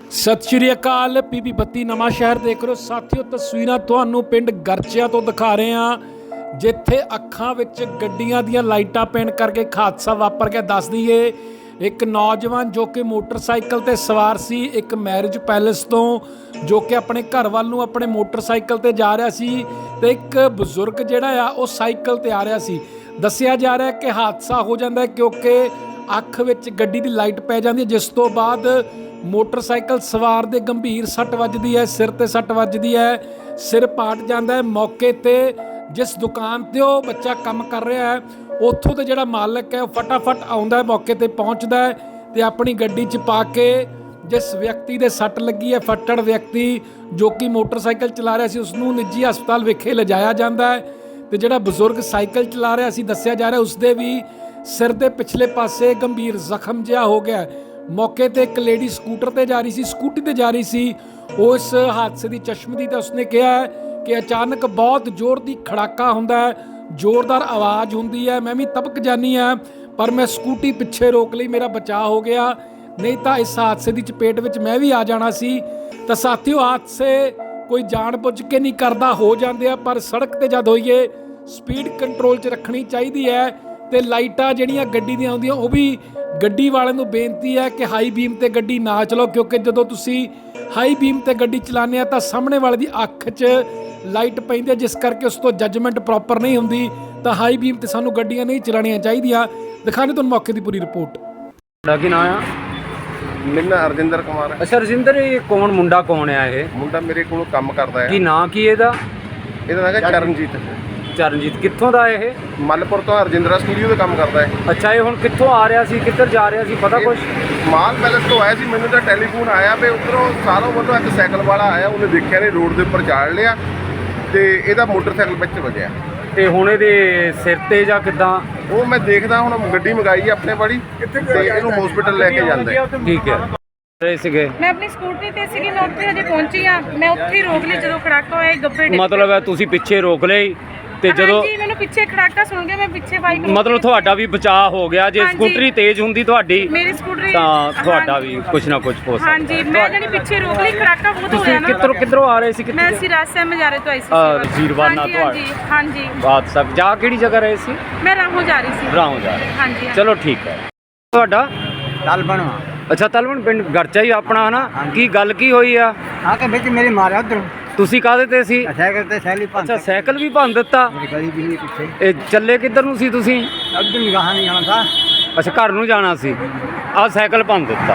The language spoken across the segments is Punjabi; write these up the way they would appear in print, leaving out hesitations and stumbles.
ਸਤਿ ਸ਼੍ਰੀ ਅਕਾਲ। ਪੀਬੀ 32 ਨਵਾਂ ਸ਼ਹਿਰ ਦੇਖ ਰਹੇ ਹੋ ਸਾਥੀਓ। ਤਸਵੀਰਾਂ ਤੁਹਾਨੂੰ ਪਿੰਡ ਗਰਚਿਆਂ ਤੋਂ ਦਿਖਾ ਰਹੇ ਹਾਂ, ਜਿੱਥੇ ਅੱਖਾਂ ਵਿੱਚ ਗੱਡੀਆਂ ਦੀਆਂ ਲਾਈਟਾਂ ਪੈਣ ਕਰਕੇ ਹਾਦਸਾ ਵਾਪਰ ਗਿਆ। ਦੱਸ ਦਈਏ, ਇੱਕ ਨੌਜਵਾਨ ਜੋ ਕਿ ਮੋਟਰਸਾਈਕਲ ਤੇ ਸਵਾਰ ਸੀ, ਇੱਕ ਮੈਰਿਜ ਪੈਲੇਸ ਤੋਂ ਜੋ ਕਿ ਆਪਣੇ ਘਰ ਵੱਲ ਨੂੰ ਆਪਣੇ ਮੋਟਰਸਾਈਕਲ ਤੇ ਜਾ ਰਿਹਾ ਸੀ, ਤੇ ਇੱਕ ਬਜ਼ੁਰਗ ਜਿਹੜਾ ਆ ਉਹ ਸਾਈਕਲ ਤੇ ਆ ਰਿਹਾ ਸੀ। ਦੱਸਿਆ ਜਾ ਰਿਹਾ ਕਿ ਹਾਦਸਾ ਹੋ ਜਾਂਦਾ ਕਿਉਂਕਿ ਅੱਖ ਵਿੱਚ ਗੱਡੀ ਦੀ ਲਾਈਟ ਪੈ ਜਾਂਦੀ ਹੈ, ਜਿਸ ਤੋਂ ਬਾਅਦ ਮੋਟਰਸਾਈਕਲ ਸਵਾਰ ਦੇ ਗੰਭੀਰ ਸੱਟ ਵੱਜਦੀ ਹੈ, ਸਿਰ ਤੇ ਸੱਟ ਵੱਜਦੀ ਹੈ, ਸਿਰ ਪਾਟ ਜਾਂਦਾ ਹੈ। ਮੌਕੇ ਤੇ ਜਿਸ ਦੁਕਾਨ ਤੇ ਉਹ ਬੱਚਾ ਕੰਮ ਕਰ ਰਿਹਾ ਹੈ, ਉੱਥੋਂ ਦਾ ਜਿਹੜਾ ਮਾਲਕ ਹੈ ਉਹ ਫਟਾਫਟ ਆਉਂਦਾ ਹੈ, ਮੌਕੇ ਤੇ ਪਹੁੰਚਦਾ ਹੈ ਤੇ ਆਪਣੀ ਗੱਡੀ 'ਚ ਪਾ ਕੇ ਜਿਸ ਵਿਅਕਤੀ ਦੇ ਸੱਟ ਲੱਗੀ ਹੈ, ਫੱਟੜ ਵਿਅਕਤੀ ਜੋ ਕਿ ਮੋਟਰਸਾਈਕਲ ਚਲਾ ਰਿਹਾ ਸੀ, ਉਸ ਨੂੰ ਨਿੱਜੀ ਹਸਪਤਾਲ ਵਿਖੇ ਲਿਜਾਇਆ ਜਾਂਦਾ ਹੈ। ਤੇ ਜਿਹੜਾ ਬਜ਼ੁਰਗ ਸਾਈਕਲ ਚਲਾ ਰਿਹਾ ਸੀ, ਦੱਸਿਆ ਜਾ ਰਿਹਾ ਉਸਦੇ ਵੀ ਸਿਰ ਦੇ ਪਿਛਲੇ ਪਾਸੇ ਗੰਭੀਰ ਜ਼ਖਮ ਜਿਹਾ ਹੋ ਗਿਆ। ਮੌਕੇ ਤੇ ਇੱਕ ਲੇਡੀ ਸਕੂਟਰ ਤੇ ਜਾ ਰਹੀ ਸੀ, ਸਕੂਟੀ ਤੇ ਜਾ ਰਹੀ ਸੀ, ਉਸ ਹਾਦਸੇ ਦੀ ਚਸ਼ਮਦੀ ਤੇ ਉਸਨੇ ਕਿਹਾ ਕਿ ਅਚਾਨਕ ਬਹੁਤ ਜ਼ੋਰ ਦੀ ਖੜਾਕਾ ਹੁੰਦਾ ਹੈ, ਜ਼ੋਰਦਾਰ ਆਵਾਜ਼ ਹੁੰਦੀ ਹੈ, ਮੈਂ ਵੀ ਤਬਕ ਜਾਨੀ ਆ, ਪਰ ਮੈਂ ਸਕੂਟੀ ਪਿੱਛੇ ਰੋਕ ਲਈ, ਮੇਰਾ ਬਚਾਅ ਹੋ ਗਿਆ, ਨਹੀਂ ਤਾਂ ਇਸ ਹਾਦਸੇ ਦੀ ਚਪੇਟ ਵਿੱਚ ਮੈਂ ਵੀ ਆ ਜਾਣਾ ਸੀ। ਤਾਂ ਸਾਥੀਓ, ਹਾਦਸੇ ਕੋਈ ਜਾਣ ਬੁੱਝ ਕੇ ਨਹੀਂ ਕਰਦਾ, ਹੋ ਜਾਂਦੇ ਆ, ਪਰ ਸੜਕ ਤੇ ਜਦ ਹੋਈਏ ਸਪੀਡ ਕੰਟਰੋਲ 'ਚ ਰੱਖਣੀ ਚਾਹੀਦੀ ਹੈ। ਤੇ ਲਾਈਟਾਂ ਜਿਹੜੀਆਂ ਗੱਡੀ ਦੀਆਂ ਆਉਂਦੀਆਂ, ਉਹ ਵੀ ਗੱਡੀ ਵਾਲਿਆਂ ਨੂੰ ਬੇਨਤੀ ਹੈ ਕਿ ਹਾਈ ਬੀਮ ਤੇ ਗੱਡੀ ਨਾ ਚਲਾਓ, ਕਿਉਂਕਿ ਜਦੋਂ ਤੁਸੀਂ ਹਾਈ ਬੀਮ ਤੇ ਗੱਡੀ ਚਲਾਉਂਦੇ ਆ ਤਾਂ ਸਾਹਮਣੇ ਵਾਲੇ ਦੀ ਅੱਖ 'ਚ ਲਾਈਟ ਪੈਂਦੀ ਹੈ, ਜਿਸ ਕਰਕੇ ਉਸ ਤੋਂ ਜੱਜਮੈਂਟ ਪ੍ਰੋਪਰ ਨਹੀਂ ਹੁੰਦੀ। ਤਾਂ ਹਾਈ ਬੀਮ ਤੇ ਸਾਨੂੰ ਗੱਡੀਆਂ ਨਹੀਂ ਚਲਾਉਣੀਆਂ ਚਾਹੀਦੀਆਂ। ਦਿਖਾਣੇ ਤੁਹਾਨੂੰ ਮੌਕੇ ਦੀ ਪੂਰੀ ਰਿਪੋਰਟ। ਤੁਹਾਡਾ ਕੀ ਨਾਮ ਆ? ਮੇਰਾ ਨਾਂ ਅਰਜਿੰਦਰ ਕੁਮਾਰ ਹੈ। ਅੱਛਾ ਰਜਿੰਦਰ, ਇਹ ਕੌਣ ਮੁੰਡਾ ਕੌਣ ਆ? ਇਹ ਮੁੰਡਾ ਮੇਰੇ ਕੋਲ ਕੰਮ ਕਰਦਾ ਕੀ ਹੈ। ਨਾਂ ਕੀ ਇਹਦਾ? ਇਹਦਾ ਨਾਮ ਹੈ ਚਰਨਜੀਤ। ਚਰਨਜੀਤ। ਕਿੱਥੋਂ ਦਾ ਇਹ? ਮੱਲਪੁਰ ਤੋਂ ਅਰਜਿੰਦਰਾ ਸਟੂਡੀਓ ਤੇ ਕੰਮ ਕਰਦਾ ਹੈ। ਅੱਛਾ, ਇਹ ਹੁਣ ਕਿੱਥੋਂ ਆ ਰਿਹਾ ਸੀ, ਕਿੱਧਰ ਜਾ ਰਿਹਾ ਸੀ, ਪਤਾ ਕੁਛ? ਮਾਲ ਪੈਲੇਸ ਤੋਂ ਆਇਆ ਸੀ। ਮੈਨੂੰ ਤਾਂ ਟੈਲੀਫੋਨ ਆਇਆ ਵੀ ਉੱਧਰੋਂ ਸਾਰੋਂ ਵੱਲੋਂ ਇੱਕ ਸਾਈਕਲ ਵਾਲਾ ਆਇਆ, ਉਹਨੇ ਦੇਖਿਆ ਨਹੀਂ, ਰੋਡ ਦੇ ਉੱਪਰ ਚਾੜ ਲਿਆ ਤੇ ਇਹਦਾ ਮੋਟਰਸਾਈਕਲ ਵਿੱਚ ਵੱਜਿਆ। ਤੇ ਹੁਣ ਇਹਦੇ ਸਿਰ ਤੇ ਜਾਂ ਕਿੱਦਾਂ? ਉਹ ਮੈਂ ਦੇਖਦਾ, ਹੁਣ ਗੱਡੀ ਮੰਗਾਈ ਹੈ ਆਪਣੇ ਵਾਲੀ ਤੇ ਇਹਨੂੰ ਹਸਪੀਟਲ ਲੈ ਕੇ ਜਾਂਦੇ। ਠੀਕ ਹੈ। ਰਹੇ ਸੀਗੇ? ਮੈਂ ਆਪਣੀ ਸਕੂਟਰੀ ਤੇ ਸੀਗੀ, ਮੈਂ ਉੱਥੇ ਹਜੇ ਪਹੁੰਚੀ ਆ, ਮੈਂ ਉੱਥੇ ਹੀ ਰੋਕ ਲਈ ਜਦੋਂ ਖੜਾਕਾ ਹੋਇਆ ਗੱਬੇ ਡਿੱਗ ਮਤਲਬ ਹੈ ਤੁਸੀਂ ਪਿੱਛੇ ਰੋਕ ਲਈ ਤੇ ਜਦੋਂ ਹਾਂਜੀ, ਮੈਨੂੰ ਪਿੱਛੇ ਖੜਾਕਾ ਸੁਣ ਗਿਆ, ਮੈਂ ਪਿੱਛੇ ਬਾਈਕ ਮਤਲਬ ਤੁਹਾਡਾ ਵੀ ਬਚਾਅ ਹੋ ਗਿਆ। ਜੇ ਹਾਂਜੀ। ਸਕੂਟਰੀ ਤੇਜ਼ ਹੁੰਦੀ ਤੁਹਾਡੀ ਮੇਰੀ ਸਕੂਟਰੀ ਤਾਂ ਤੁਹਾਡਾ ਵੀ ਕੁਛ ਨਾ ਕੁਛ ਹੋ ਸਕਦਾ। ਹਾਂਜੀ, ਮੈਂ ਜਿਹੜੀ ਪਿੱਛੇ ਰੋਕ ਲਈ, ਖੜਾਕਾ ਬਹੁਤ ਤੁਸੀਂ ਹੋਇਆ ਨਾ। ਕਿੱਧਰੋਂ ਆ ਰਹੇ ਸੀ? ਮੈਂ ਸਿਰਾਜ ਸਾਹਿਬ ਮਜਾਰੇ ਤੋਂ ਆਈ ਸੀ। ਜ਼ੀਰਵਾਨਾ ਤੋਂ ਹਾਂਜੀ ਹਾਂਜੀ ਬਾਤ ਸਭ ਜਾ ਕਿਹੜੀ ਜਗ੍ਹਾ ਰਹੇ ਸੀ? ਮੈਂ ਰਾਹੋਂ ਜਾ ਰਹੀ ਸੀ। ਰਾਹੋਂ ਜਾ ਰਹੇ। ਹਾਂਜੀ ਚਲੋ ਠੀਕ ਹੈ। ਤੁਹਾਡਾ? ਤਲਬਣ ਅੱਛਾ, ਤਲਵਣ ਪਿੰਡ ਗਰਚਾ ਹੀ ਆਪਣਾ ਹੈ ਨਾ? ਕੀ ਗੱਲ ਕੀ ਹੋਈ ਆ? ਆ ਕੇ ਵਿੱਚ ਮੇਰੇ ਮਾਰਿਆ ਉਧਰ ਤੁਸੀਂ ਕਾਹਦੇ ਤੇ ਸੀ? ਸਾਈਕਲ ਤੇ ਸੈਲੀ ਪੰਜ ਅੱਛਾ, ਸਾਈਕਲ ਵੀ ਭੰਨ ਦਿੱਤਾ। ਮੇਰੀ ਗਲੀ ਵੀ ਪਿੱਛੇ ਇਹ ਚੱਲੇ ਕਿੱਧਰ ਨੂੰ ਸੀ ਤੁਸੀਂ? ਅੱਧਰ ਨਿਗਾਹ ਨਹੀਂ ਆਉਣਾ ਥਾ। ਅੱਛਾ, ਘਰ ਨੂੰ ਜਾਣਾ ਸੀ। ਆਹ ਸਾਈਕਲ ਭੰਨ ਦਿੱਤਾ।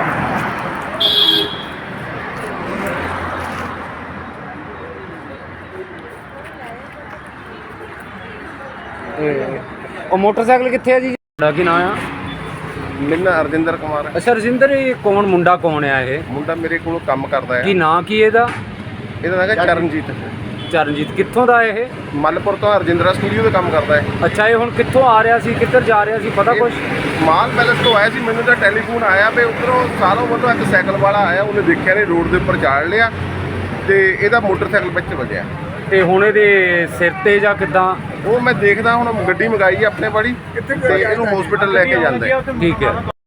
ਉਹ ਮੋਟਰਸਾਈਕਲ ਕਿੱਥੇ ਆ ਜੀ? ਤੁਹਾਡਾ ਕੀ ਨਾਮ ਆ? ਮੇਰਾ ਨਾਂ ਅਰਜਿੰਦਰ ਕੁਮਾਰ ਹੈ। ਅੱਛਾ ਰਜਿੰਦਰ, ਇਹ ਕੌਣ ਮੁੰਡਾ ਕੌਣ ਆ? ਇਹ ਮੁੰਡਾ ਮੇਰੇ ਕੋਲ ਕੰਮ ਕਰਦਾ ਕੀ ਹੈ। ਨਾਂ ਕੀ ਇਹਦਾ? ਇਹਦਾ ਨਾਮ ਹੈ ਚਰਨਜੀਤ। ਚਰਨਜੀਤ। ਕਿੱਥੋਂ ਦਾ ਇਹ? ਮੱਲਪੁਰ ਤੋਂ ਅਰਜਿੰਦਰਾ ਸਟੂਡੀਓ ਤੇ ਕੰਮ ਕਰਦਾ ਹੈ। ਅੱਛਾ, ਇਹ ਹੁਣ ਕਿੱਥੋਂ ਆ ਰਿਹਾ ਸੀ, ਕਿੱਧਰ ਜਾ ਰਿਹਾ ਸੀ, ਪਤਾ ਕੁਛ? ਮਾਲ ਪੈਲੇਸ ਤੋਂ ਆਇਆ ਸੀ। ਮੈਨੂੰ ਤਾਂ ਟੈਲੀਫੋਨ ਆਇਆ ਵੀ ਉੱਧਰੋਂ ਸਾਰੋਂ ਵੱਲੋਂ ਇੱਕ ਸਾਈਕਲ ਵਾਲਾ ਆਇਆ, ਉਹਨੇ ਦੇਖਿਆ ਨਹੀਂ, ਰੋਡ ਦੇ ਉੱਪਰ ਚਾੜ ਲਿਆ ਤੇ ਇਹਦਾ ਮੋਟਰਸਾਈਕਲ ਵਿੱਚ ਵੱਜਿਆ। ਤੇ ਹੁਣ ਇਹਦੇ ਸਿਰ ਤੇ ਜਾਂ ਕਿੱਦਾਂ? ਉਹ ਮੈਂ ਦੇਖਦਾ, ਹੁਣ ਗੱਡੀ ਮੰਗਾਈ ਹੈ ਆਪਣੇ ਵਾਲੀ ਤੇ ਇਹਨੂੰ ਹਸਪੀਟਲ ਲੈ ਕੇ ਜਾਂਦੇ। ਠੀਕ ਹੈ।